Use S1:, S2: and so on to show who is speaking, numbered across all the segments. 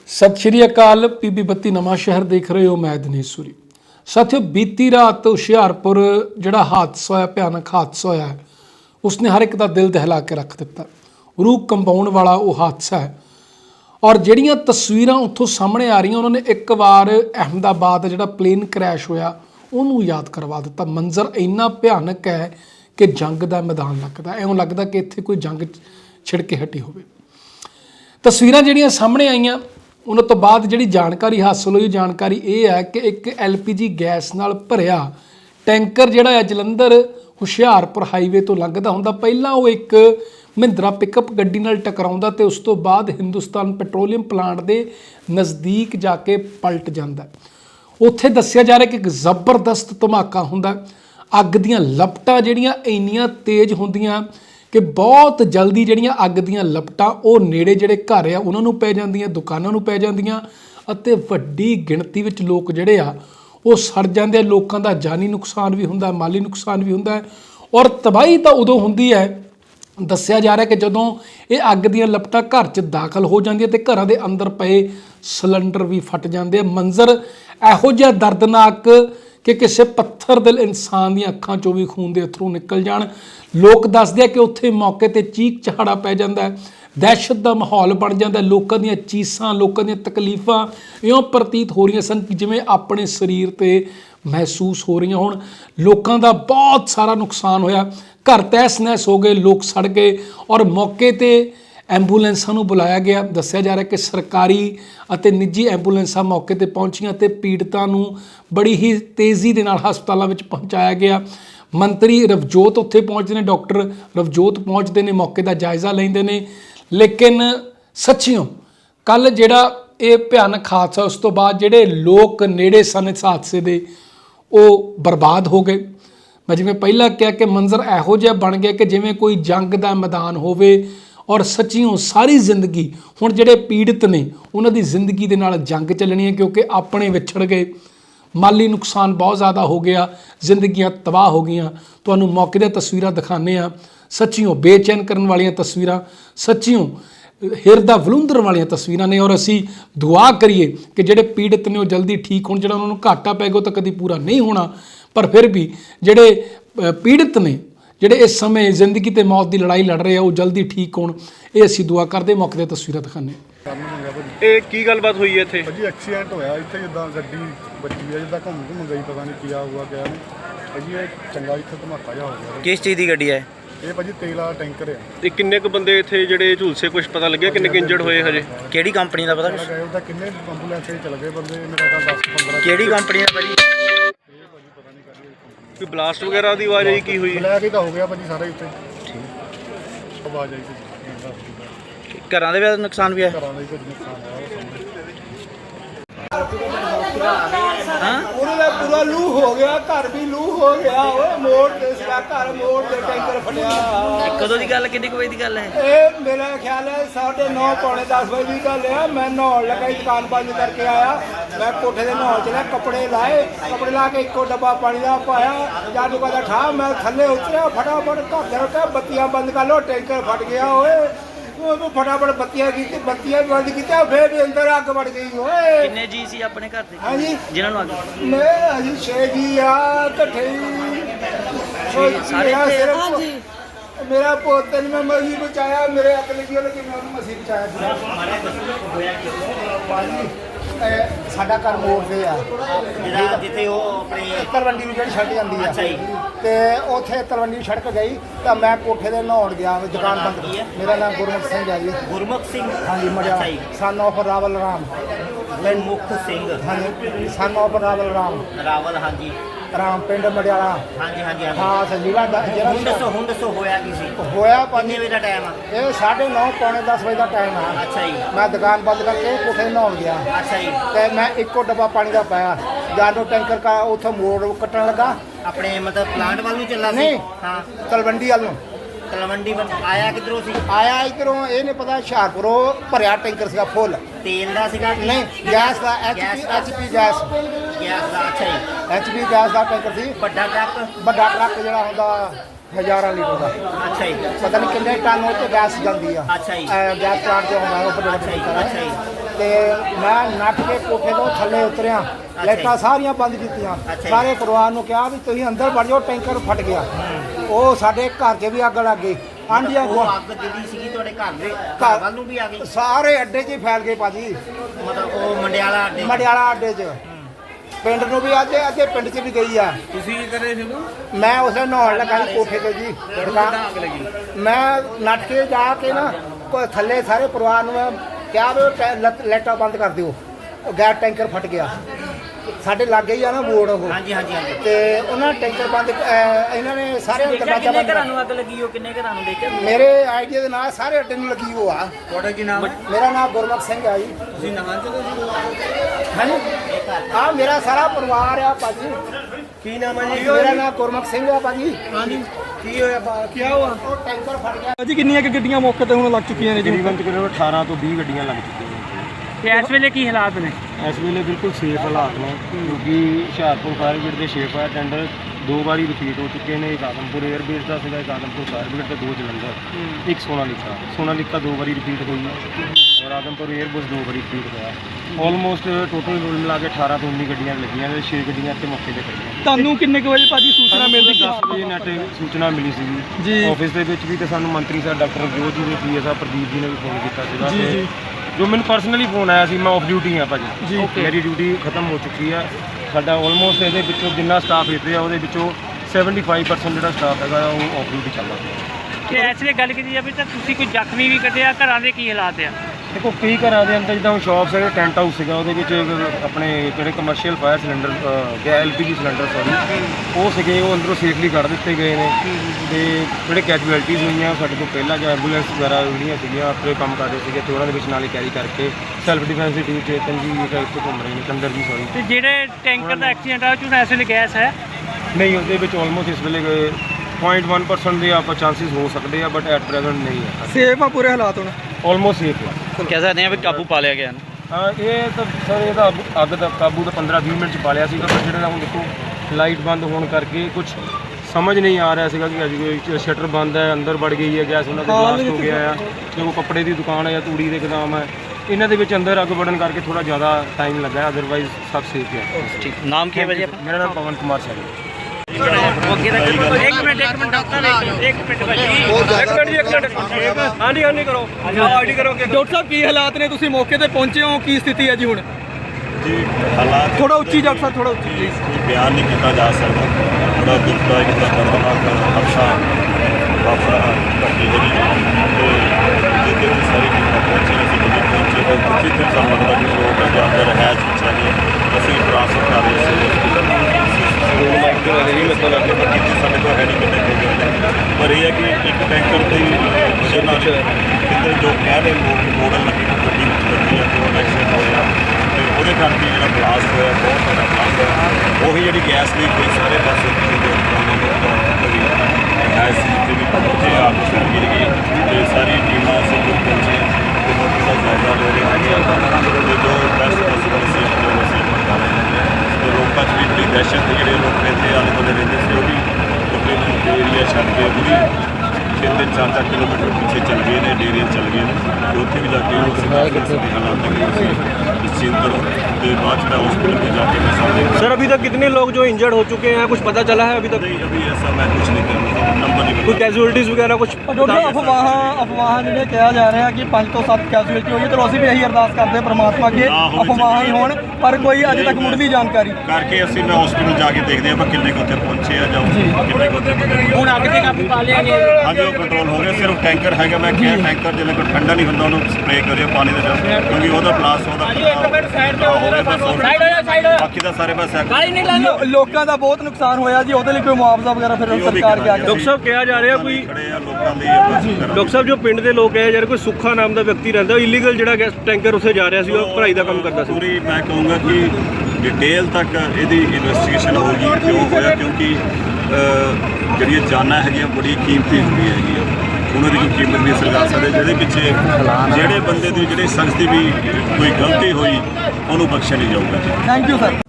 S1: सत श्री अकाल। पीबी 32 नवां शहर देख रहे हो, मैं दिनेश सूरी। साथियों, बीती रात हुशियारपुर जिहड़ा हादसा होया, भयानक हादसा होया है, उसने हर एक का दिल दहला के रख दिता। रूह कंपाउण वाला वो हादसा है। और जिहड़ियां तस्वीरां उत्थों सामने आ रही, उन्होंने एक बार अहमदाबाद जिहड़ा प्लेन क्रैश होया उन्होंने याद करवा दिता। मंजर इन्ना भयानक है कि जंग का मैदान लगता, इउं लगता कि इत्थे कोई जंग छिड़के हटी होवे। तस्वीरां जिहड़ियां सामने आईयां उन्होंने तो बाद जिहड़ी जानकारी हासिल हुई, जानकारी ये है कि एक LPG गैस नाल भरिया टैंकर जिहड़ा है जलंधर हुशियारपुर हाईवे तो लंघदा हुंदा, पहलां वो एक महिंद्रा पिकअप गड्डी नाल टकराउंदा ते उस तो बाद हिंदुस्तान पैट्रोलीयम प्लांट के नज़दीक जाके पलट जाता है। उत्थे दस्सिया जा रहा है कि एक जबरदस्त धमाका हुंदा। अग दीयां लपटां जिहड़ियां इंनियां तेज़ हुंदियां कि बहुत जल्दी जिहड़ियां अग दीयां लपटां वो नेड़े जिहड़े घर आ उन्हां नूं पै जांदियां, दुकानां नूं पै जांदियां अते वड्डी गिणती विच लोक जिहड़े आ वो सड़ जांदे आ। लोकां दा जानी नुकसान भी हुंदा, माली नुकसान भी हुंदा और तबाही तां उदों हुंदी है। दस्सिया जा रहा है कि जदों ये अग दीयां लपटां घर च दाखल हो जांदियां ते घरां दे अंदर पए सिलेंडर भी फट जांदे आ। मंजर इहो जिहा दर्दनाक कि किसी पत्थर दिल इंसान दी अखां चों भी खून के अथरू निकल जाण। लोग दसदे कि उत्थे मौके ते चीख चहाड़ा पै जांदा है, दहशत का माहौल बन जाता है। लोगों दी चीसां, लोगों दी तकलीफां इउं प्रतीत हो रही सन कि जिवें अपने शरीर ते महसूस हो रही हुण। लोगों का बहुत सारा नुकसान होया, घर तहस नहस हो गए, लोग सड़ गए और मौके ते एंबूलेंसां नूं बुलाया गया। दस्सिया जा रहा है कि सरकारी अते निजी एंबूलेंसां मौके ते पहुंचियां ते पीड़तां नूं बड़ी ही तेज़ी दे नाल हस्पतालों में पहुंचाया गया। मंत्री रवजोत उत्थे पहुंचते हैं, डॉक्टर रवजोत पहुंचते हैं, मौके का जायज़ा लेंदे ने। लेकिन सच्चियों कल जिहड़ा ये भयानक हादसा उस तो बाद जिहड़े लोग नेड़े सन इस हादसे दे वो बर्बाद हो गए। मैं जिवें पहला कहा कि मंजर इहो जिहा बन गया कि जिवें कोई जंग का मैदान होवे और सच्चियों सारी जिंदगी हुण जिहड़े पीड़ित ने उन्हां दी जिंदगी दे नाल जंग चलनी है, क्योंकि अपने विछड़ गए, माली नुकसान बहुत ज़्यादा हो गया, जिंदगियां तबाह हो गई। तुहानूं मौके दी तस्वीरां दिखाने आ, सच्चियों बेचैन करन वालियां तस्वीरां, सच्चियों हिरदा वलुंदर वालियां तस्वीरां ने। और असी दुआ करिए कि जिहड़े पीड़ित ने वो जल्दी ठीक होण। जिहड़ा उन्होंने घाटा पै गया तो कभी पूरा नहीं होना, पर फिर भी जिहड़े पीड़ित ने, जिहड़े इस समय जिंदगी ते मौत की लड़ाई लड़ रहे हैं, वो जल्दी ठीक होण, ये असी दुआ करते। मौके दी तस्वीरां दिखाने।
S2: ਇਹ ਕੀ ਗੱਲਬਾਤ ਹੋਈ ਹੈ ਇੱਥੇ?
S3: ਭਾਜੀ ਐਕਸੀਡੈਂਟ ਹੋਇਆ ਇੱਥੇ, ਜਿੱਦਾਂ ਗੱਡੀ ਵੱਜੀ ਹੈ, ਜਿੱਦਾਂ ਘੁੰਮ ਗਈ, ਪਤਾ ਨਹੀਂ ਕੀ ਹੁਆ ਗਿਆ ਨੇ ਭਾਜੀ। ਇਹ ਚੰਗਾ ਇੱਥੇ ਧਮਾਕਾ ਜਿਹਾ ਹੋ ਗਿਆ।
S4: ਕਿਸ ਚੀਜ਼ ਦੀ ਗੱਡੀ ਹੈ
S3: ਇਹ ਭਾਜੀ ਤੇਲ ਵਾਲਾ ਟੈਂਕਰ ਹੈ।
S2: ਤੇ ਕਿੰਨੇ ਕੁ ਬੰਦੇ ਇੱਥੇ ਜਿਹੜੇ ਝੁਲਸੇ, ਕੁਝ ਪਤਾ ਲੱਗਿਆ ਕਿੰਨੇ ਕੁ ਇੰਜਰਡ ਹੋਏ ਹਜੇ?
S4: ਕਿਹੜੀ ਕੰਪਨੀ ਦਾ ਪਤਾ ਕੁਛ?
S3: ਗਏ ਉਹਦਾ ਕਿੰਨੇ ਐਂਬੂਲੈਂਸ 'ਚ ਚਲ ਗਏ ਬੰਦੇ, ਮੇਰਾ ਤਾਂ 10-15।
S4: ਕਿਹੜੀ ਕੰਪਨੀ ਦਾ ਭਾਜੀ?
S2: ਕੋਈ ਬਲਾਸਟ ਵਗੈਰਾ ਦੀ ਆਵਾਜ਼ ਆਈ, ਕੀ ਹੋਈ?
S3: ਬਲੈਕ ਹੀ ਤਾਂ ਹੋ ਗਿਆ ਭਾਜੀ ਸਾਰਾ ਹੀ ਉੱਥੇ। ਠੀਕ ਆਵਾਜ਼ ਆਈ ਸੀ,
S4: ਘਰਾਂ ਦੇ ਵੀ ਨੁਕਸਾਨ ਵੀ ਹੈ?
S3: ਘਰਾਂ ਦਾ ਹੀ ਕੁਝ ਨੁਕਸਾਨ ਆਇਆ ਉਹ ਸਾਹਮਣੇ।
S5: ਉਹਦਾ ਪੂਰਾ ਲੂ ਹੋ ਗਿਆ, ਘਰ ਵੀ ਲੂ ਹੋ ਗਿਆ। ਓਏ ਮੋੜ ਤੇ ਸੀਗਾ ਘਰ, ਮੋੜ ਤੇ ਟੈਂਕਰ ਫਟਿਆ।
S4: ਕਦੋਂ ਦੀ ਗੱਲ, ਕਿੰਨੇ ਕੁ ਵਜੇ ਦੀ ਗੱਲ ਹੈ?
S5: ਇਹ ਮੇਰਾ ਖਿਆਲ ਹੈ 9:30 ਪੌਣੇ 10 ਵਜੇ ਦੀ ਗੱਲ ਹੈ। ਮੈਂ ਨਹਾਉਣ ਲੱਗਾ, ਦੁਕਾਨ ਬੰਦ ਕਰਕੇ ਆਇਆ। ਮੈਂ ਕੋਠੇ ਦੇ ਨਹਾਉਣ ਚਲਾ, ਕੱਪੜੇ ਲਾਏ, ਕੱਪੜੇ ਲਾ ਕੇ ਇੱਕੋ ਡੱਬਾ ਪਾਣੀ ਦਾ ਪਾਇਆ, ਜਾਦੂ ਦਾ ਠਾ। ਮੈਂ ਥੱਲੇ ਉਤਰਿਆ, ਫਟਾਫਟ ਘਰ ਦੇ ਰੋਟਾ ਬੱਤੀਆਂ ਬੰਦ ਕਰ ਲਓ, ਟੈਂਕਰ ਫਟ ਗਿਆ। ਓਏ ਉਹ ਫਟਾਫਟ ਬੱਤੀਆਂ ਕੀਤੀ, ਬੱਤੀਆਂ ਬੰਦ ਕੀਤੀਆਂ, ਫਿਰ ਵੀ ਅੰਦਰ ਅੱਗ ਵੜ ਗਈ। ਓਏ
S4: ਕਿੰਨੇ ਜੀ ਸੀ ਆਪਣੇ ਘਰ ਦੇ?
S5: ਹਾਂਜੀ,
S4: ਜਿਨ੍ਹਾਂ ਨੂੰ ਅੱਗ?
S5: ਮੈਂ ਅਸੀਂ 6 ਜੀ ਆ ਇਕੱਠੇ
S4: ਸਾਰੇ
S5: ਹਾਂਜੀ। ਮੇਰਾ ਪੋਤੇ ਨੂੰ ਮੈਂ ਮਸੀਂ ਬਚਾਇਆ, ਮੇਰੇ ਅੱਗ ਲੱਗੀ ਉਹਨੇ ਕਿ ਮੈਂ ਮਸੀਂ ਬਚਾਇਆ ਸੀ। ਸਾਡਾ ਘਰ ਮੋੜ ਤੇ ਆ,
S4: ਜਿਹੜਾ ਜਿੱਥੇ ਉਹ ਆਪਣੇ
S5: ਤਲਵੰਡੀ ਨੂੰ ਜਿਹੜੀ ਛੱਡ ਜਾਂਦੀ ਆ।
S4: ਅੱਛਾ ਜੀ।
S5: ਤੇ ਉੱਥੇ ਤਲਵੰਡੀ ਸੜਕ ਗਈ ਤਾਂ ਮੈਂ ਕੋਠੇ ਦੇ ਨਹਾਉਣ ਗਿਆ, ਦੁਕਾਨ ਬੰਦ। ਮੇਰਾ ਨਾਮ ਗੁਰਮੁਖ ਸਿੰਘ ਹੈ ਜੀ।
S4: ਗੁਰਮੁਖ ਸਿੰਘ?
S5: ਹਾਂਜੀ, ਮੜਿਆ ਸਨ ਆਫ ਰਾਵਲ ਰਾਮ।
S4: ਗੁਰਮੁਖ ਸਿੰਘ?
S5: ਹਾਂਜੀ, ਸਨ ਆਫ ਰਾਵਲ ਰਾਮ।
S4: ਰਾਵਲ, ਹਾਂਜੀ।
S5: ਰਾਮ ਪਿੰਡ ਮੜਿਆਲਾ।
S4: ਹਾਂਜੀ ਹਾਂਜੀ ਹਾਂਜੀ।
S5: ਹਾਂ ਸੰਜੀਵਾ ਦਾ ਜਿਹੜਾ
S4: ਹੁਣ ਦੱਸੋ ਹੋਇਆ ਕੀ ਸੀ?
S5: ਹੋਇਆ
S4: ਕਿੰਨੇ ਵਜੇ ਦਾ ਟਾਈਮ ਆ?
S5: ਇਹ 9:30 ਪੌਣੇ 10 ਵਜੇ ਦਾ ਟਾਈਮ ਆ।
S4: ਅੱਛਾ ਜੀ।
S5: ਮੈਂ ਦੁਕਾਨ ਬੰਦ ਕਰਕੇ ਕੋਠੇ ਨਹਾਉਣ ਗਿਆ।
S4: ਅੱਛਾ ਜੀ।
S5: ਤੇ ਮੈਂ ਇੱਕੋ ਡੱਬਾ ਪਾਣੀ ਦਾ ਪਾਇਆ, ਜਦੋਂ ਟੈਂਕਰ ਕਾ ਉੱਥੋਂ ਮੋੜ ਕੱਟਣ ਲੱਗਾ।
S4: ਆਪਣੇ ਮਤਲਬ ਪਲਾਂਟ ਵੱਲ ਨੂੰ ਚੱਲਾ ਸੀ?
S5: ਨਹੀਂ,
S4: ਹਾਂ,
S5: ਤਲਵੰਡੀ ਵੱਲ ਨੂੰ
S4: ਤਲਵੰਡੀ ਵੱਲ ਆਇਆ। ਕਿੱਧਰੋਂ ਸੀ
S5: ਆਇਆ? ਇੱਧਰੋਂ ਇਹ ਨਹੀਂ ਪਤਾ, ਹੁਸ਼ਿਆਰਪੁਰੋਂ ਭਰਿਆ ਟੈਂਕਰ ਸੀਗਾ ਫੁੱਲ।
S4: ਤੇਲ ਦਾ ਸੀਗਾ ਕਿ
S5: ਨਹੀਂ, ਗੈਸ ਦਾ। HP gas.
S4: ਗੈਸ ਦਾ? ਅੱਛਾ ਜੀ।
S5: HP ਗੈਸ ਦਾ ਟੈਂਕਰ ਸੀ,
S4: ਵੱਡਾ ਟਰੱਕ?
S5: ਵੱਡਾ ਟਰੱਕ ਜਿਹੜਾ ਹੁੰਦਾ ਹਜ਼ਾਰਾਂ ਲੀਟਰ ਦਾ।
S4: ਅੱਛਾ ਜੀ।
S5: ਪਤਾ ਨਹੀਂ ਕਿੰਨੇ ਟਨ ਉਹ 'ਚ ਗੈਸ ਜਾਂਦੀ ਆ।
S4: ਅੱਛਾ ਜੀ।
S5: ਗੈਸ ਪਲਾਂਟ 'ਚ ਹੁੰਦਾ ਉਹ ਵੱਡੇ ਵੱਡੇ
S4: ਅੱਛਾ ਜੀ।
S5: ਟੈਂਕਰ ਆ।
S4: ਅੱਛਾ ਜੀ।
S5: ਤੇ ਮੈਂ ਨੱਠ ਕੇ ਕੋਠੇ ਤੋਂ ਥੱਲੇ ਉਤਰਿਆ, ਲਾਈਟਾਂ ਸਾਰੀਆਂ ਬੰਦ ਕੀਤੀਆਂ, ਸਾਰੇ ਪਰਿਵਾਰ ਨੂੰ ਕਿਹਾ ਵੀ ਤੁਸੀਂ ਅੰਦਰ ਵੜ ਜਾਓ, ਟੈਂਕਰ ਫਟ ਗਿਆ। ਉਹ ਸਾਡੇ ਘਰ 'ਚ ਵੀ ਅੱਗ ਲੱਗ ਗਈ, ਆਂਢੀਆਂ
S4: ਉਹ ਅੱਗ ਜਿਹੜੀ ਸੀਗੀ ਤੁਹਾਡੇ ਘਰ ਦੇ ਘਰ ਵੱਲ ਨੂੰ ਵੀ ਆ ਗਈ,
S5: ਸਾਰੇ ਅੱਡੇ 'ਚ ਹੀ ਫੈਲ ਗਏ ਭਾਜੀ।
S4: ਮਤਲਬ ਉਹ ਮੰਡਿਆਲਾ ਅੱਡੇ
S5: ਮੜਿਆਲਾ ਅੱਡੇ 'ਚ ਪਿੰਡ ਨੂੰ ਵੀ ਅੱਧੇ ਪਿੰਡ 'ਚ ਵੀ ਗਈ ਆ।
S6: ਤੁਸੀਂ ਕੀ ਕਰੇ ਸੀ ਉਦੋਂ?
S5: ਮੈਂ ਉਸੇ ਨਹਾਉਣ ਲੱਗਾ ਸੀ ਕੋਠੇ ਤੇ ਜੀ,
S6: ਅੱਗ ਲੱਗੀ।
S5: ਮੈਂ ਨੱਠ ਕੇ ਜਾ ਕੇ ਨਾ ਥੱਲੇ ਸਾਰੇ ਪਰਿਵਾਰ ਨੂੰ ਮੈਂ ਕਿਹਾ ਵੀ ਲਾਈਟਾਂ ਬੰਦ ਕਰ ਦਿਓ, ਗੈਸ ਟੈਂਕਰ ਫਟ ਗਿਆ। ਸਾਡੇ ਲਾਗੇ ਹੀ ਆ ਨਾ ਬੋਰਡ ਉਹ,
S4: ਹਾਂਜੀ ਹਾਂਜੀ ਹਾਂਜੀ।
S5: ਤੇ ਉਹਨਾਂ ਟੈਂਕਰ ਬੰਦ ਇਹਨਾਂ ਨੇ ਸਾਰੇ ਦਰਵਾਜ਼ਾ ਬੰਦ
S7: ਘਰਾਂ ਨੂੰ ਅੱਗ ਲੱਗੀ, ਉਹ ਕਿੰਨੇ ਘਰਾਂ ਨੂੰ ਦੇਖਿਆ?
S5: ਮੇਰੇ ਆਈਡੀਆ ਦੇ ਨਾਲ ਸਾਰੇ ਅੱਡੇ ਨੂੰ ਲੱਗੀ ਉਹ ਆ।
S6: ਤੁਹਾਡਾ ਕੀ ਨਾਮ ਹੈ?
S5: ਮੇਰਾ ਨਾਮ ਗੁਰਮੁਖ ਸਿੰਘ ਆ ਜੀ।
S6: ਤੁਸੀਂ ਨਹਾਉਣ ਚਲੇ ਸੀ?
S5: ਹਾਂਜੀ, ਆ ਮੇਰਾ ਸਾਰਾ ਪਰਿਵਾਰ ਆ ਭਾਜੀ।
S6: ਕੀ ਨਾਮ ਹੈ ਜੀ?
S5: ਮੇਰਾ ਨਾਮ ਗੁਰਮੁਖ ਸਿੰਘ ਆ ਭਾਜੀ।
S6: ਹਾਂਜੀ, ਕੀ ਹੋਇਆ? ਕੀ ਹੋਇਆ?
S5: ਉਹ ਟੈਂਕਰ ਫਟ ਗਿਆ।
S1: ਜੀ ਕਿੰਨੀਆਂ ਕਿ ਗੱਡੀਆਂ ਮੌਕੇ ਤੇ ਹੁਣ ਲੱਗ ਚੁੱਕੀਆਂ ਨੇ ਜੀ?
S8: ਤਕਰੀਬਨ 18 ਤੋਂ 20 ਗੱਡੀਆਂ ਲੱਗ ਚੁੱਕੀਆਂ ਨੇ।
S7: ਤੇ ਇਸ ਵੇਲੇ ਕੀ ਹਾਲਾਤ ਨੇ?
S8: ਇਸ ਵੇਲੇ ਬਿਲਕੁਲ ਸੇਫ ਹਾਲਾਤ ਨੇ, ਕਿਉਂਕਿ ਹੁਸ਼ਿਆਰਪੁਰ ਫਾਇਰ ਬ੍ਰਿਗੇਡ ਦੇ 6 ਫਾਇਰ ਟੈਂਡਰ 2 ਵਾਰੀ ਰਿਪੀਟ ਹੋ ਚੁੱਕੇ ਨੇ। ਇੱਕ ਆਦਮਪੁਰ 에ਅਰ ਬੇਸ ਦਾ ਸੀਗਾ, ਇੱਕ ਆਦਮਪੁਰ ਫਾਇਰ ਬ੍ਰਿਗੇਡ ਤੇ 2 ਜਲੰਧਰ, ਇੱਕ ਸੋਨਾਲੀਕਾ 2 ਵਾਰੀ ਰਿਪੀਟ ਹੋਈ ਹੈ, ਔਰ ਆਦਮਪੁਰ 에ਅਰ ਬੇਸ 2 ਵਾਰੀ ਰਿਪੀਟ ਹੋਇਆ। ਆਲਮੋਸਟ ਟੋਟਲ ਮਿਲਾ ਕੇ 18 ਤੋਂ 19 ਗੱਡੀਆਂ ਲੱਗੀਆਂ ਨੇ, 6 ਗੱਡੀਆਂ ਇੱਥੇ ਮੌਕੇ ਤੇ ਖੜੀਆਂ।
S1: ਤੁਹਾਨੂੰ ਕਿੰਨੇ ਕੁ ਵਜੇ ਭਾਜੀ ਸੂਚਨਾ ਮਿਲਦੀ?
S8: 10 ਵਜੇ ਨੈਟ ਸੂਚਨਾ ਮਿਲੀ ਸੀਗੀ
S1: ਜੀ।
S8: ਆਫਿਸ ਦੇ ਵਿੱਚ ਵੀ, ਤੇ ਸਾਨੂੰ ਮੰਤਰੀ ਸਾਹਿਬ ਡਾਕਟਰ ਜੋਤ ਜੀ ਦੇ ਪੀਏ ਸਾਹਿਬ ਪ੍ਰਦੀਪ ਜੀ ਨੇ ਵੀ ਫੋਨ ਕੀਤਾ ਸੀਗਾ।
S1: ਜੀ,
S8: ਤੇ
S1: ਜੀ।
S8: ਜੋ ਮੈਨੂੰ ਪਰਸਨਲੀ ਫੋਨ ਆਇਆ ਸੀ, ਮੈਂ ਆਫ ਡਿਊਟੀ ਹਾਂ ਭਾਜੀ, ਮੇਰੀ ਡਿਊਟੀ ਖਤਮ ਹੋ ਚੁੱਕੀ ਆ। ਸਾਡਾ ਆਲਮੋਸਟ ਇਹਦੇ ਵਿੱਚੋਂ ਜਿੰਨਾ ਸਟਾਫ ਇੱਥੇ ਆ ਉਹਦੇ ਵਿੱਚੋਂ 75% ਜਿਹੜਾ ਸਟਾਫ ਹੈਗਾ ਉਹ ਆਫ ਡਿਊਟੀ ਚੱਲਦਾ ਪਿਆ।
S7: ਤੇ ਇਸ ਵੇਲੇ ਗੱਲ ਕੀਤੀ ਜਾਵੇ ਤਾਂ ਤੁਸੀਂ ਕੋਈ ਜ਼ਖਮੀ ਵੀ ਕੱਢਿਆ, ਘਰਾਂ ਦੇ ਕੀ ਹਾਲਾਤ ਆ?
S8: ਦੇਖੋ ਕਈ ਘਰਾਂ ਦੇ ਅੰਦਰ ਜਿੱਦਾਂ ਸ਼ਾਪਸ ਹੈਗੇ, ਟੈਂਟ ਹਾਊਸ ਸੀਗਾ, ਉਹਦੇ ਵਿੱਚ ਆਪਣੇ ਜਿਹੜੇ commercial fire cylinder LPG cylinder ਉਹ ਸੀਗੇ, ਉਹ ਅੰਦਰੋਂ ਸੇਫਲੀ ਕੱਢ ਦਿੱਤੇ ਗਏ ਨੇ। ਤੇ ਜਿਹੜੇ ਕੈਜੂਅਲਟੀਜ਼ ਹੋਈਆਂ ਸਾਡੇ ਕੋਲ ਪਹਿਲਾਂ ਜੋ ਐਂਬੂਲੈਂਸ ਵਗੈਰਾ ਜਿਹੜੀਆਂ ਸੀਗੀਆਂ ਆਪਣੇ ਕੰਮ ਕਰ ਰਹੇ ਸੀਗੇ, ਤੇ ਉਹਨਾਂ ਦੇ ਵਿੱਚ ਨਾਲ ਹੀ ਕੈਰੀ ਕਰਕੇ ਸੈਲਫ ਡਿਫੈਂਸ ਦੀ ਟੀਮ ਚੇਤਨ ਜੀ ਇੱਥੇ ਘੁੰਮ ਰਹੇ ਨੇ, ਚੰਦਰ ਜੀ ਸੌਰੀ।
S7: ਤੇ ਜਿਹੜੇ ਟੈਂਕਰ ਦਾ ਐਕਸੀਡੈਂਟ ਆ ਉਹ 'ਚ ਇਸ ਵੇਲੇ ਗੈਸ ਹੈ?
S8: ਨਹੀਂ, ਉਹਦੇ ਵਿੱਚ ਆਲਮੋਸਟ ਇਸ ਵੇਲੇ 0.1% ਦੇ ਆਪਾਂ ਚਾਂਸਿਸ ਹੋ ਸਕਦੇ ਆ, ਬਟ ਐਟ ਪ੍ਰੈਜ਼ੈਂਟ ਨਹੀਂ ਹੈ।
S1: ਸੇਫ ਆ ਪੂਰੇ ਹਾਲਾਤ ਹੁਣ?
S8: ਆਲਮੋਸਟ ਸੇਫ ਹੈ।
S7: ਕਹਿ ਸਕਦੇ ਆ ਵੀ ਕਾਬੂ ਪਾ ਲਿਆ ਗਿਆ?
S8: ਹਾਂ, ਇਹ ਤਾਂ ਸਰ ਇਹਦਾ ਅੱਗ ਦਾ ਕਾਬੂ ਤਾਂ 15-20 ਮਿੰਟ 'ਚ ਪਾ ਲਿਆ ਸੀਗਾ, ਪਰ ਜਿਹੜਾ ਹੁਣ ਦੇਖੋ ਲਾਈਟ ਬੰਦ ਹੋਣ ਕਰਕੇ ਕੁਝ ਸਮਝ ਨਹੀਂ ਆ ਰਿਹਾ ਸੀਗਾ ਕਿ ਅੱਜ ਕੋਈ ਸ਼ਟਰ ਬੰਦ ਹੈ, ਅੰਦਰ ਵੜ ਗਈ ਹੈ ਗੈਸ, ਉਹਨਾਂ ਦੇ ਬਲਾਸਟ ਹੋ ਗਿਆ ਆ। ਦੇਖੋ ਕੱਪੜੇ ਦੀ ਦੁਕਾਨ ਹੈ ਜਾਂ ਤੂੜੀ ਦੇ ਗੋਦਾਮ ਹੈ, ਇਹਨਾਂ ਦੇ ਵਿੱਚ ਅੰਦਰ ਅੱਗ ਵੜਨ ਕਰਕੇ ਥੋੜਾ ਜ਼ਿਆਦਾ ਟਾਈਮ ਲੱਗਾ, ਅਦਰਵਾਈਜ਼ ਸਭ ਸੇਫ ਹੈ।
S7: ਠੀਕ, ਨਾਮ ਕੀ ਹੈ ਭਾਜੀ ਆਪਣਾ?
S8: ਮੇਰਾ ਨਾਮ ਪਵਨ ਕੁਮਾਰ ਸ਼ਰਮਾ।
S7: ਅੱਗੇ ਤੱਕ ਇੱਕ ਮਿੰਟ ਡਾਕਟਰ ਇੱਕ ਮਿੰਟ ਭਾਜੀ,
S2: ਹਾਂਜੀ ਹਾਂਜੀ ਕਰੋ, ਆਈਡੀ ਕਰੋ।
S1: ਡਾਕਟਰ ਸਾਹਿਬ ਕੀ ਹਾਲਾਤ ਨੇ? ਤੁਸੀਂ ਮੌਕੇ ਤੇ ਪਹੁੰਚੇ ਹੋ, ਕੀ ਸਥਿਤੀ ਹੈ ਜੀ ਹੁਣ?
S9: ਜੀ ਹਾਲਾਤ
S1: ਥੋੜਾ ਉੱਚੀ ਡਾਕਟਰ ਸਾਹਿਬ, ਥੋੜਾ ਉੱਚੀ ਪਲੀਜ਼।
S9: ਕੋਈ ਬਿਆਨ ਨਹੀਂ ਕੀਤਾ ਜਾ ਸਕਦਾ। ਬੜਾ ਦੁਖਦਾਇਕ ਤੇ ਦਰਦਨਾਕ ਹਾਦਸਾ ਵਾਪਰਿਆ ਘਟਨਾ ਜਿਹੜੀ, ਤੇ ਜਿਹਦੇ ਵਿੱਚ ਸਾਰੀ ਟੀਮਾਂ ਪਹੁੰਚੀਆਂ ਸੀ। ਜਦੋਂ ਪਹੁੰਚੇ ਤਾਂ ਕੁਝ ਹੀ ਦਿਨ ਸਾਨੂੰ ਲੱਗਦਾ ਕਿ ਲੋਕ ਦੇ ਅੰਦਰ ਹੈ ਚੀਜ਼ਾਂ ਨੇ, ਅਸੀਂ ਟ੍ਰਾਂਸਫਰ ਕਰ ਰਹੇ ਸੀ ਬਾਕੀ ਸਾਡੇ ਕੋਲ ਹੈ ਨਹੀਂ ਕਿੰਨੇ ਹੋ ਗਏ, ਪਰ ਇਹ ਹੈ ਕਿ ਇੱਕ ਟੈਂਕਰ ਦੀ ਵਜ੍ਹਾ ਨਾਲ ਕਿਤੇ ਜੋ ਕਹਿ ਰਹੇ ਲੋਕ ਮੋਡਲ ਲੱਗੀ ਗੱਡੀ ਵਿੱਚ ਲੱਗੀ ਹੈ, ਤੇ ਉਹ ਐਕਸੀਡੈਂਟ ਹੋਇਆ, ਤੇ ਉਹਦੇ ਕਰਕੇ ਜਿਹੜਾ ਬਲਾਸਟ ਹੋਇਆ, ਬਹੁਤ ਵੱਡਾ ਬਲਾਸਟ ਹੋਇਆ। ਉਹੀ ਜਿਹੜੀ ਗੈਸ ਲੀਕ ਹੋਈ ਸਾਰੇ ਪਾਸੇ ਗੈਸ ਤੇ ਵੀ ਪਹੁੰਚੇ, ਆਪ ਗਿਰ ਗਈ, ਤੇ ਸਾਰੀ ਟੀਮਾਂ ਸਭ ਪਹੁੰਚੇ ਤੇ ਮੌਕੇ ਦਾ ਜਾਇਜ਼ਾ ਲੈ ਰਹੇ ਹਨ, ਤੇ ਜੋ ਬੈਸਟ ਪੋਸੀਬਲ ਸੀ ਜੋ ਅਸੀਂ ਕਰ ਰਹੇ ਹਾਂ। ਤੇ ਲੋਕਾਂ 'ਚ ਵੀ ਬੜੀ ਦਹਿਸ਼ਤ ਸੀ, ਜਿਹੜੇ ਲੋਕ ਇੱਥੇ ਆਲੇ ਦੁਆਲੇ ਰਹਿੰਦੇ ਸੀ ਉਹ ਵੀ ਤਕਰੀਬਨ ਏਰੀਆ ਛੱਡ ਕੇ ਪੂਰੀ 3-4 ਕਿਲੋਮੀਟਰ ਪਿੱਛੇ ਚੱਲ ਗਏ ਨੇ, ਡੇਰੇ ਚੱਲ ਗਏ ਨੇ, ਤੇ ਉੱਥੇ ਵੀ ਜਾ ਕੇ ਉਹ ਸਿੱਧੇ ਹਾਲਾत तक इस चीज़ पर तो बाद में हॉस्पिटल में जाके मैं सामने।
S2: सर अभी तक कितने लोग जो इंजर्ड हो चुके हैं, कुछ पता चला है अभी तक?
S9: नहीं, अभी ऐसा मैं कुछ नहीं कर सकता, नंबर नहीं।
S2: कोई कैजुअलिटीज वगैरह कुछ?
S1: ਡਾਕਟਰ ਅਫਵਾਹਾਂ ਜਿਹੜੇ ਕਿਹਾ ਜਾ ਰਿਹਾ ਕਿ 5 ਤੋਂ 7 ਕੈਜੂਅਲਟੀ ਹੋਈ ਹੈ, ਤੇ ਅਸੀਂ ਵੀ ਇਹੀ ਅਰਦਾਸ ਕਰਦੇ ਹਾਂ ਪ੍ਰਮਾਤਮਾ ਅੱਗੇ ਅਫਵਾਹਾਂ ਹੀ ਹੋਣ, ਪਰ ਕੋਈ ਅਜੇ ਤੱਕ ਮੁੱਢਲੀ ਜਾਣਕਾਰੀ
S9: करके ਅਸੀਂ ਮੈਂ ਹਸਪੀਟਲ ਜਾ ਕੇ ਦੇਖਦੇ ਆਪਾਂ ਕਿੰਨੇ ਕੁ ਉੱਥੇ ਪਹੁੰਚੇ ਆ ਜਾਂ ਕਿੰਨੇ ਕੁ ਉੱਥੇ ਪਹੁੰਚੇ।
S7: ਹੁਣ ਅੱਗ ਤੇ ਕਾਬੂ ਪਾ ਲਿਆ ਗਿਆ?
S9: ਹਾਂਜੀ, ਉਹ ਕੰਟਰੋਲ ਹੋ ਗਿਆ। ਸਿਰਫ ਟੈਂਕਰ ਹੈਗਾ, ਮੈਂ ਕਿਹਾ ਟੈਂਕਰ ਜਦੋਂ ਕੋਈ ਠੰਡਾ ਨਹੀਂ ਹੁੰਦਾ ਉਹਨੂੰ ਸਪਰੇਅ ਕਰਿਓ ਪਾਣੀ ਦੇ ਨਾਲ, ਕਿਉਂਕਿ ਉਹਦਾ ਬਲਾਸਟ ਬਾਕੀ ਦਾ ਸਾਰੇ ਪਾਸੇ
S1: ਲੋਕਾਂ ਦਾ ਬਹੁਤ ਨੁਕਸਾਨ ਹੋਇਆ ਜੀ, ਉਹਦੇ ਲਈ ਕੋਈ ਮੁਆਵਜ਼ਾ ਵਗੈਰਾ ਫਿਰ ਸਰਕਾਰ ਕਿਹਾ?
S2: ਡਾਕਟਰ ਸਾਹਿਬ ਕਿਹਾ ਜਾ ਰਿਹਾ ਕੋਈ
S9: ਖੜੇ ਆ ਲੋਕਾਂ ਲਈ ਆਪਾਂ ਕੀ ਕਰਾਂਗੇ।
S2: ਡਾਕਟਰ ਸਾਹਿਬ ਜੋ ਪਿੰਡ ਦੇ ਲੋਕ ਹੈ ਯਾਰ, ਕੋਈ ਸੁੱਖਾ ਨਾਮ ਦਾ ਵਿਅਕਤੀ ਰਹਿੰਦਾ, ਇਲੀਗਲ ਜਿਹੜਾ ਗੈਸ ਟੈਂਕਰ ਉੱਥੇ ਜਾ ਰਿਹਾ ਸੀ, ਉਹ ਭਰਾਈ ਦਾ ਕੰਮ ਕਰਦਾ ਸੀ।
S9: ਪੂਰੀ ਮੈਂ ਕਹੂੰਗਾ ਕਿ ਡਿਟੇਲ ਤੱਕ ਇਹਦੀ ਇਨਵੈਸਟੀਗੇਸ਼ਨ ਹੋਊਗੀ ਕਿਉਂ ਹੋਇਆ, ਕਿਉਂਕਿ ਜਿਹੜੀਆਂ ਜਾਨਾਂ ਹੈਗੀਆਂ ਬੜੀ ਕੀਮਤੀ ਹੁੰਦੀਆਂ ਹੈਗੀਆਂ, ਉਹਨਾਂ ਦੀ ਕੋਈ ਕੀਮਤ ਨਹੀਂ ਅਸਲ ਕਰ ਸਕਦੇ। ਜਿਹਦੇ ਪਿੱਛੇ ਜਿਹੜੇ ਬੰਦੇ ਦੀ ਜਿਹੜੀ ਸ਼ਖਸ ਦੀ ਵੀ ਕੋਈ ਗਲਤੀ ਹੋਈ ਉਹਨੂੰ ਬਖਸ਼ਿਆ ਨਹੀਂ ਜਾਊਗਾ ਜੀ।
S1: Thank you sir.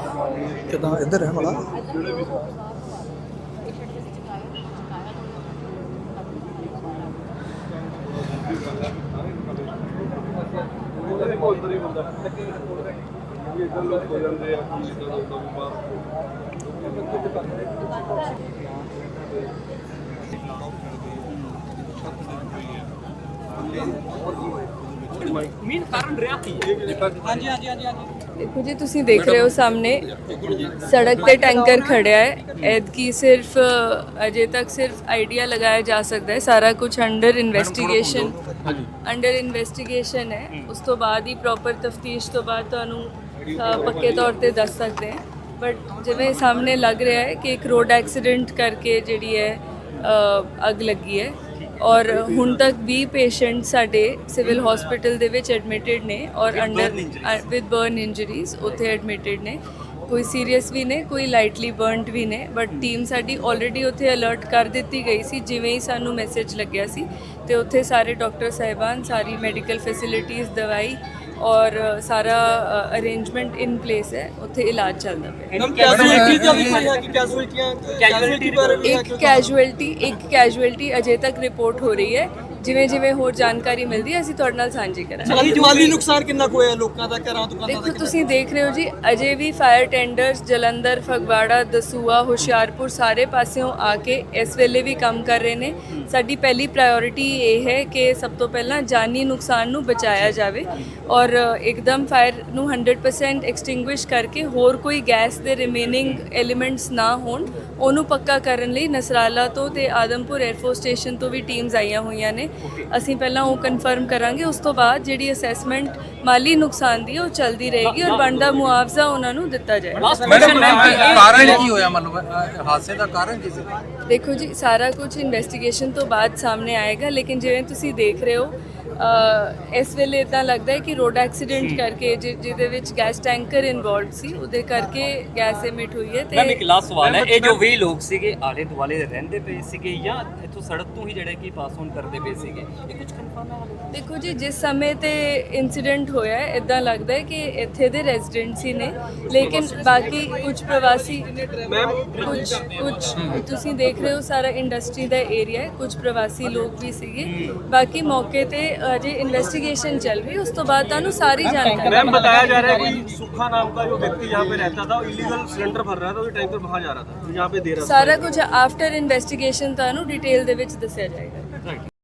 S1: ਕਿਦਾਂ ਇੱਧਰ ਹੈ ਮਾੜਾ
S10: ਦੇਖੋ ਜੀ ਤੁਸੀਂ ਦੇਖ ਰਹੇ ਹੋ ਸਾਹਮਣੇ ਸੜਕ ਤੇ ਟੈਂਕਰ ਖੜਿਆ ਹੈ ਐਤਕੀ ਸਿਰਫ ਅਜੇ ਤੱਕ ਸਿਰਫ ਆਈਡੀਆ ਲਗਾਇਆ ਜਾ ਸਕਦਾ ਹੈ ਸਾਰਾ ਕੁਝ ਅੰਡਰ ਇਨਵੈਸਟੀਗੇਸ਼ਨ ਹੈ ਉਸ ਤੋਂ ਬਾਅਦ ਹੀ ਪ੍ਰੋਪਰ ਤਫਤੀਸ਼ ਤੋਂ ਬਾਅਦ ਤੁਹਾਨੂੰ ਪੱਕੇ ਤੌਰ ਤੇ ਦੱਸ ਸਕਦੇ ਹਾਂ ਬਟ ਜਿਵੇਂ ਸਾਹਮਣੇ ਲੱਗ ਰਿਹਾ ਹੈ ਕਿ ਇੱਕ ਰੋਡ ਐਕਸੀਡੈਂਟ ਕਰਕੇ ਜਿਹੜੀ ਹੈ ਅੱਗ ਲੱਗੀ ਹੈ ਔਰ ਹੁਣ ਤੱਕ 20 ਪੇਸ਼ੈਂਟ ਸਾਡੇ ਸਿਵਲ ਹਸਪੀਟਲ ਦੇ ਵਿੱਚ ਐਡਮਿਟਡ ਨੇ ਔਰ ਅੰਡਰ ਵਿਦ ਬਰਨ ਇੰਜਰੀਜ਼ ਉੱਥੇ ਐਡਮਿਟਡ ਨੇ ਕੋਈ ਸੀਰੀਅਸ ਵੀ ਨੇ ਕੋਈ ਲਾਈਟਲੀ ਬਰਨਡ ਵੀ ਨੇ ਬਟ ਟੀਮ ਸਾਡੀ ਆਲਰੇਡੀ ਉੱਥੇ ਅਲਰਟ ਕਰ ਦਿੱਤੀ ਗਈ ਸੀ ਜਿਵੇਂ ਹੀ ਸਾਨੂੰ ਮੈਸੇਜ ਲੱਗਿਆ ਸੀ ਤੇ ਉੱਥੇ ਸਾਰੇ ਡਾਕਟਰ ਸਾਹਿਬਾਨ ਸਾਰੀ ਮੈਡੀਕਲ ਫੈਸਿਲਿਟੀਜ਼ ਦਵਾਈ ਔਰ ਸਾਰਾ ਅਰੇਂਜਮੈਂਟ ਇਨ ਪਲੇਸ ਹੈ ਉੱਥੇ ਇਲਾਜ ਚੱਲਦਾ ਪਿਆ ਇੱਕ ਕੈਜੂਅਲਟੀ ਅਜੇ ਤੱਕ ਰਿਪੋਰਟ ਹੋ ਰਹੀ ਹੈ ਜਿਵੇਂ ਜਿਵੇਂ ਹੋਰ ਜਾਣਕਾਰੀ ਮਿਲਦੀ ਹੈ ਅਸੀਂ ਤੁਹਾਡੇ ਨਾਲ ਸਾਂਝੀ ਕਰਾਂਗੇ
S6: ਮਾਲੀ ਨੁਕਸਾਨ ਕਿੰਨਾ ਕੁ ਹੋਇਆ ਲੋਕਾਂ ਦਾ ਘਰਾਂ ਦੁਕਾਨਾਂ ਦਾ
S10: ਦੇਖੋ ਤੁਸੀਂ ਦੇਖ ਰਹੇ ਹੋ ਜੀ ਅਜੇ ਵੀ ਫਾਇਰ ਟੈਂਡਰਸ ਜਲੰਧਰ ਫਗਵਾੜਾ ਦਸੂਆ ਹੁਸ਼ਿਆਰਪੁਰ ਸਾਰੇ ਪਾਸਿਓਂ ਆ ਕੇ ਇਸ ਵੇਲੇ ਵੀ ਕੰਮ ਕਰ ਰਹੇ ਨੇ ਸਾਡੀ ਪਹਿਲੀ ਪ੍ਰਾਇੋਰਟੀ ਇਹ ਹੈ ਕਿ ਸਭ ਤੋਂ ਪਹਿਲਾਂ ਜਾਨੀ ਨੁਕਸਾਨ ਨੂੰ ਬਚਾਇਆ ਜਾਵੇ ਔਰ ਇੱਕਦਮ ਫਾਇਰ ਨੂੰ 100% ਐਕਸਟਿੰਗੁਇਸ਼ ਕਰਕੇ ਹੋਰ ਕੋਈ ਗੈਸ ਦੇ ਰਿਮੇਨਿੰਗ ਐਲੀਮੈਂਟਸ ਨਾ ਹੋਣ ਉਹਨੂੰ ਪੱਕਾ ਕਰਨ ਲਈ ਨਸਰਾਲਾ ਤੋਂ ਤੇ ਆਦਮਪੁਰ 에ਅਰਫੋਰਸ ਸਟੇਸ਼ਨ ਤੋਂ ਵੀ ਟੀਮਸ ਆਈਆਂ ਹੋਈਆਂ ਨੇ ਅਸੀਂ ਪਹਿਲਾਂ ਉਹ ਕਨਫਰਮ ਕਰਾਂਗੇ ਉਸ ਤੋਂ ਬਾਅਦ ਜਿਹੜੀ ਅਸੈਸਮੈਂਟ ਮਾਲੀ ਨੁਕਸਾਨ ਦੀ ਉਹ ਚੱਲਦੀ ਰਹੇਗੀ ਔਰ ਬਣਦਾ ਮੁਆਵਜ਼ਾ ਉਹਨਾਂ ਨੂੰ ਦਿੱਤਾ ਜਾਏਗਾ
S11: ਕਾਰਨ ਕੀ ਹੋਇਆ ਮਤਲਬ ਹਾਦਸੇ ਦਾ ਕਾਰਨ ਕੀ ਸੀ
S10: ਦੇਖੋ ਜੀ ਸਾਰਾ ਕੁਝ ਇਨਵੈਸਟੀਗੇਸ਼ਨ ਤੋਂ ਬਾਅਦ ਸਾਹਮਣੇ ਆਏਗਾ ਲੇਕਿਨ ਜਿਵੇਂ ਤੁਸੀਂ ਦੇਖ ਰਹੇ ਹੋ ਇਸ ਵੇਲੇ ਇਦਾਂ ਲੱਗਦਾ ਹੈ ਕਿ ਰੋਡ ਐਕਸੀਡੈਂਟ ਕਰਕੇ ਜਿਹਦੇ ਵਿੱਚ ਗੈਸ ਟੈਂਕਰ ਇਨਵੋਲਵਡ ਸੀ ਉਹਦੇ ਕਰਕੇ ਗੈਸ ਐਮਿਟ ਹੋਈ ਹੈ ਤੇ
S7: ਮੈਮ ਇੱਕ ਲਾਸਟ ਸਵਾਲ ਹੈ ਇਹ ਜੋ 20 ਲੋਕ ਸੀਗੇ ਆਲੇ ਦੁਆਲੇ ਰਹਿੰਦੇ ਪਏ ਸੀਗੇ ਜਾਂ ਇੱਥੋਂ ਸੜਕ ਤੋਂ ਹੀ ਜਿਹੜੇ ਕਿ ਪਾਸ ਔਨ ਕਰਦੇ ਪਏ ਸੀਗੇ ਇਹ ਕੁਝ ਕਨਫਰਮ ਹੈ
S10: ਦੇਖੋ ਜੀ ਜਿਸ ਸਮੇਂ ਤੇ ਇਨਸੀਡੈਂਟ ਹੋਇਆ ਹੈ ਇਦਾਂ ਲੱਗਦਾ ਹੈ ਕਿ ਇੱਥੇ ਦੇ ਰੈਜ਼ੀਡੈਂਟਸ ਹੀ ਨੇ ਲੇਕਿਨ ਬਾਕੀ ਕੁਝ ਪ੍ਰਵਾਸੀ ਕੁਝ ਤੁਸੀਂ ਦੇਖ ਰਹੇ ਹੋ ਸਾਰਾ ਇੰਡਸਟਰੀ ਦਾ ਏਰੀਆ ਹੈ ਕੁਝ ਪ੍ਰਵਾਸੀ ਲੋਕ ਵੀ ਸੀਗੇ ਬਾਕੀ ਮੌਕੇ ਤੇ अजय इन्वेस्टिगेशन चल रही है उस तो बाद ਤੁਹਾਨੂੰ ਸਾਰੀ ਜਾਣਕਾਰੀ
S2: मैम बताया जा रहा है कि सुखा नाम का जो व्यक्ति यहाँ पे रहता था इलीगल सिलेंडर भर रहा था और टैंकर वहाँ जा रहा था यहाँ पे दे रहा था
S10: ਸਾਰਾ ਕੁਝ ਆਫਟਰ ਇਨਵੈਸਟੀਗੇਸ਼ਨ ਤੁਹਾਨੂੰ ਡਿਟੇਲ ਦੇ ਵਿੱਚ ਦੱਸਿਆ ਜਾਏਗਾ